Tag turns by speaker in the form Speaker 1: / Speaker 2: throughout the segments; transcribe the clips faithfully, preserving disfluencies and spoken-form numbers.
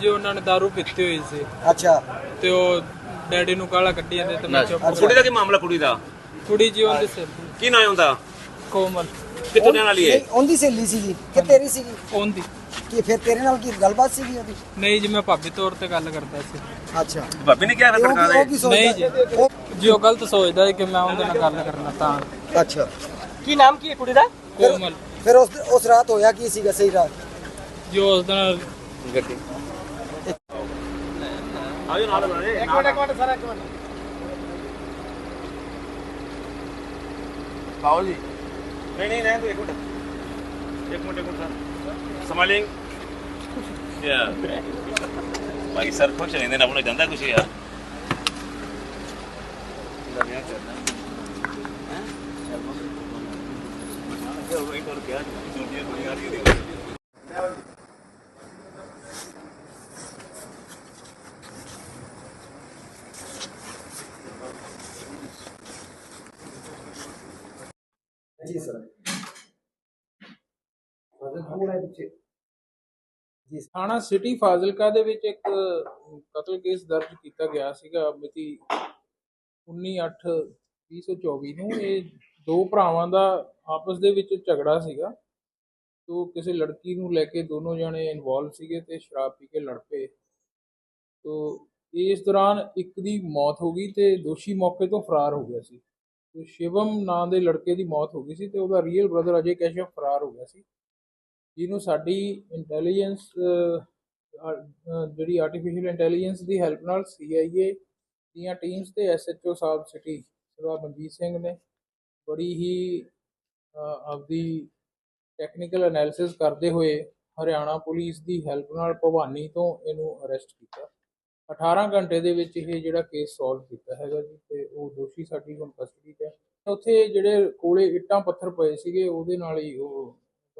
Speaker 1: ਜੀ ਉਹਨਾਂ ਨੇ ਦਾਰੂ ਪੀਤੀ ਹੋਈ ਸੀ।
Speaker 2: ਅੱਛਾ
Speaker 1: ਤੇ ਉਹ ਡੈਡੀ ਨੂੰ ਗਾਲਾਂ ਕੱਢੀ ਜਾਂਦੇ ਤੇ ਮੈਂ ਚੁੱਪ।
Speaker 3: ਕੁੜੀ ਦਾ ਕੀ ਮਾਮਲਾ? ਕੁੜੀ ਦਾ
Speaker 1: ਕੁੜੀ ਜੀ ਉਹਦੇ ਸਿਰ
Speaker 3: ਕੀ ਨਾਂ ਹੁੰਦਾ?
Speaker 1: ਕੋਮਲ।
Speaker 3: ਕਿੱਥੋਂ ਰਹਿਣ ਵਾਲੀ ਹੈ?
Speaker 2: ਨਹੀਂ, ਉਹਦੀ ਸਹੇਲੀ ਸੀਗੀ ਕਿ ਤੇਰੀ ਸੀਗੀ?
Speaker 1: ਉਹਦੀ।
Speaker 2: ਕੀ ਫਿਰ ਤੇਰੇ ਨਾਲ ਕੀ ਗੱਲਬਾਤ ਸੀਗੀ ਉਹਦੀ?
Speaker 1: ਨਹੀਂ ਜੀ, ਮੈਂ ਭਾਬੀ ਤੌਰ ਤੇ ਗੱਲ ਕਰਦਾ ਸੀ।
Speaker 2: ਅੱਛਾ,
Speaker 3: ਭਾਬੀ ਨੇ ਕਿਹਾ ਫਿਰ
Speaker 2: ਉਹ
Speaker 3: ਸਰਕਾਰ
Speaker 2: ਕੀ- ਉਹ
Speaker 3: ਦੇ
Speaker 2: ਕੀ ਸੋਚਦਾ?
Speaker 1: ਨਹੀਂ ਜੀ,
Speaker 2: ਉਹ-
Speaker 1: ਜੀ ਉਹ ਗਲਤ ਸੋਚਦਾ ਹੈ ਕਿ ਮੈਂ ਉਹਦੇ ਨਾਲ ਗੱਲ ਕਰਨਾ ਤਾਂ।
Speaker 2: ਅੱਛਾ,
Speaker 4: ਕੀ ਨਾਮ ਕੀ ਹੈ ਕੁੜੀ ਦਾ?
Speaker 1: ਕੋਮਲ।
Speaker 2: ਫਿਰ ਉਸ ਉਸ ਰਾਤ ਹੋਇਆ ਕੀ ਸੀਗਾ ਸਹੀ ਰਾਤ?
Speaker 1: ਜੋ ਉਸ ਦਿਨ
Speaker 3: ਗੱਡੀ ਆਜੋ ਨਾਲ ਬਣੇ।
Speaker 4: ਇੱਕ ਮਿੰਟ ਇੱਕ ਮਿੰਟ ਸਰ ਇੱਕ ਮਿੰਟ
Speaker 3: ਆਓ ਜੀ। ਨਹੀਂ ਨਹੀਂ ਰਹਿਣ ਦਿਓ, ਇੱਕ ਮਿੰਟ ਇੱਕ ਮਿੰਟ ਇੱਕ ਮਿੰਟ ਸਰ ਸਮਾਈਲਿੰਗ ਯਾ ਭਾਈ ਸਰ ਖੁਸ਼ ਰਹਿੰਦੇ ਨੇ, ਆਪਣਾ ਜਾਂਦਾ ਕੁਛ ਯਾਰ।
Speaker 2: ਜੀ ਸਰ। ਜੀ
Speaker 5: ਥਾਣਾ ਸਿਟੀ ਫਾਜ਼ਿਲਕਾ ਦੇ ਵਿੱਚ ਇੱਕ ਕਤਲ ਕੇਸ ਦਰਜ ਕੀਤਾ ਗਿਆ ਸੀਗਾ ਮਿਤੀ ਉੱਨੀ ਅੱਠ ਵੀਹ ਸੌ ਚੌਵੀ ਨੂੰ। ਇਹ ਦੋ ਭਰਾਵਾਂ ਦਾ ਆਪਸ ਦੇ ਵਿੱਚ ਝਗੜਾ ਸੀਗਾ। ਤੋ ਕਿਸੇ ਲੜਕੀ ਨੂੰ ਲੈ ਕੇ ਦੋਨੋਂ ਜਣੇ ਇਨਵੋਲਵ ਸੀਗੇ ਤੇ ਸ਼ਰਾਬ ਪੀ ਕੇ ਲੜ ਪਏ। ਤੋ ਇਸ ਦੌਰਾਨ ਇੱਕ ਦੀ ਮੌਤ ਹੋ ਗਈ ਤੇ ਦੋਸ਼ੀ ਮੌਕੇ ਤੋਂ ਫਰਾਰ ਹੋ ਗਿਆ ਸੀ। ਤੇ ਸ਼ਿਵਮ ਨਾਂ ਦੇ ਲੜਕੇ ਦੀ ਮੌਤ ਹੋ ਗਈ ਸੀ ਤੇ ਉਹਦਾ ਰੀਅਲ ਬ੍ਰਦਰ ਅਜੇ ਕੈਸ਼ਵ ਫਰਾਰ ਹੋ ਗਿਆ ਸੀ, ਜਿਹਨੂੰ ਸਾਡੀ ਇੰਟੈਲੀਜੈਂਸ ਜਿਹੜੀ ਆਰਟੀਫਿਸ਼ੀਅਲ ਇੰਟੈਲੀਜੈਂਸ ਦੀ ਹੈਲਪ ਨਾਲ ਸੀ ਆਈ ਏ ਦੀਆਂ ਟੀਮਸ ਤੇ ਐਸ ਐਚ ਓ ਸਾਹਿਬ ਸਿਟੀ ਸਰਦਾਰ ਮਨਜੀਤ ਸਿੰਘ ਨੇ ਬੜੀ ਹੀ ਆਪਦੀ ਟੈਕਨੀਕਲ ਐਨਾਲਿਸਿਸ ਕਰਦੇ ਹੋਏ ਹਰਿਆਣਾ ਪੁਲਿਸ ਦੀ ਹੈਲਪ ਨਾਲ ਭਵਾਨੀ ਤੋਂ ਇਹਨੂੰ ਅਰੈਸਟ ਕੀਤਾ। ਅਠਾਰਾਂ ਘੰਟੇ ਦੇ ਵਿੱਚ ਇਹ ਜਿਹੜਾ ਕੇਸ ਸੋਲਵ ਕੀਤਾ ਹੈਗਾ ਜੀ, ਤੇ ਉਹ ਦੋਸ਼ੀ ਸਾਡੀ ਹੁਣ ਕਸਟਡੀ 'ਚ ਹੈ। ਉੱਥੇ ਜਿਹੜੇ ਕੋਲੇ ਇੱਟਾਂ ਪੱਥਰ ਪਏ ਸੀਗੇ ਉਹਦੇ ਨਾਲ ਹੀ ਉਹ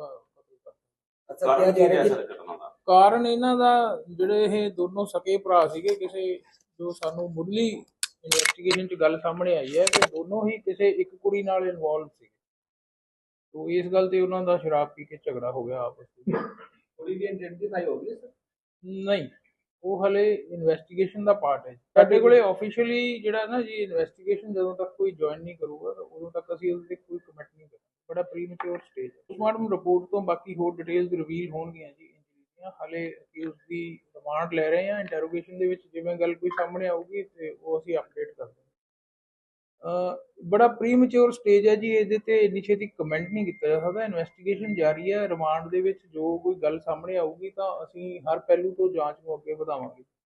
Speaker 2: ਅੱਛਾ, ਕਿਹਾ ਜਾ ਰਿਹਾ ਕਿ
Speaker 5: ਕਾਰਨ ਇਹਨਾਂ ਦਾ ਜਿਹੜੇ ਇਹ ਦੋਨੋਂ ਸਕੇ ਭਰਾ ਸੀਗੇ, ਕਿਸੇ ਜੋ ਸਾਨੂੰ ਮੁੱਢਲੀ ਇਨਵੈਸਟੀਗੇਸ਼ਨ 'ਚ ਗੱਲ ਸਾਹਮਣੇ ਆਈ ਹੈ ਕਿ ਦੋਨੋਂ ਹੀ ਕਿਸੇ ਇੱਕ ਕੁੜੀ ਨਾਲ ਇਨਵੋਲਵ ਸੀ। ਤੋ ਇਸ ਗੱਲ ਤੇ ਉਹਨਾਂ ਦਾ ਸ਼ਰਾਬ ਪੀ ਕੇ ਝਗੜਾ ਹੋ ਗਿਆ ਆਪਸ ਵਿੱਚ।
Speaker 4: ਕੁੜੀ ਦੀ ਆਇਡੈਂਟੀਫਾਈ ਹੋ ਗਈ ਸਰ?
Speaker 5: ਨਹੀਂ, ਉਹ ਹਲੇ ਇਨਵੈਸਟੀਗੇਸ਼ਨ ਦਾ ਪਾਰਟ ਹੈ। ਸਾਡੇ ਕੋਲੇ ਆਫੀਸ਼ੀਅਲੀ ਜਿਹੜਾ ਨਾ ਜੀ ਇਨਵੈਸਟੀਗੇਸ਼ਨ ਜਦੋਂ ਤੱਕ ਕੋਈ ਜੁਆਇਨ ਨਹੀਂ ਕਰੂਗਾ ਉਦੋਂ ਤੱਕ ਅਸੀਂ ਉਹਦੇ ਤੇ ਕੋਈ ਕਮੈਂਟ ਨਹੀਂ ਕਰਾਂਗੇ। ਬੜਾ ਪ੍ਰੀਮੈਚੁਰ ਸਟੇਜ ਹੈ। ਪੋਸਟਮਾਰਟਮ ਰਿਪੋਰਟ ਤੋਂ ਬਾਕੀ ਹੋਰ ਡਿਟੇਲਸ ਰਿਵੀਲ ਹੋਣਗੀਆਂ ਜੀ। ਹਾਲੇ ਅਕਿਊਜ਼ ਦੀ ਰਿਮਾਂਡ ਲੈ ਰਹੇ ਹਾਂ। ਇੰਟਰੋਗੇਸ਼ਨ ਦੇ ਵਿੱਚ ਜਿਵੇਂ ਗੱਲ ਕੋਈ ਸਾਹਮਣੇ ਆਊਗੀ ਤੇ ਉਹ ਅਸੀਂ ਅਪਡੇਟ ਕਰ ਦਾਂਗੇ। ਬੜਾ ਪ੍ਰੀਮੈਚੁਰ ਸਟੇਜ ਹੈ ਜੀ, ਇਹਦੇ ਤੇ ਇੰਨੀ ਛੇਤੀ ਕਮੈਂਟ ਨਹੀਂ ਕੀਤਾ ਜਾ ਸਕਦਾ। ਇਨਵੈਸਟੀਗੇਸ਼ਨ ਜਾਰੀ ਹੈ। ਰਿਮਾਂਡ ਦੇ ਵਿੱਚ ਜੋ ਕੋਈ ਗੱਲ ਸਾਹਮਣੇ ਆਊਗੀ ਤਾਂ ਅਸੀਂ ਹਰ ਪਹਿਲੂ ਤੋਂ ਜਾਂਚ ਨੂੰ ਅੱਗੇ ਵਧਾਵਾਂਗੇ।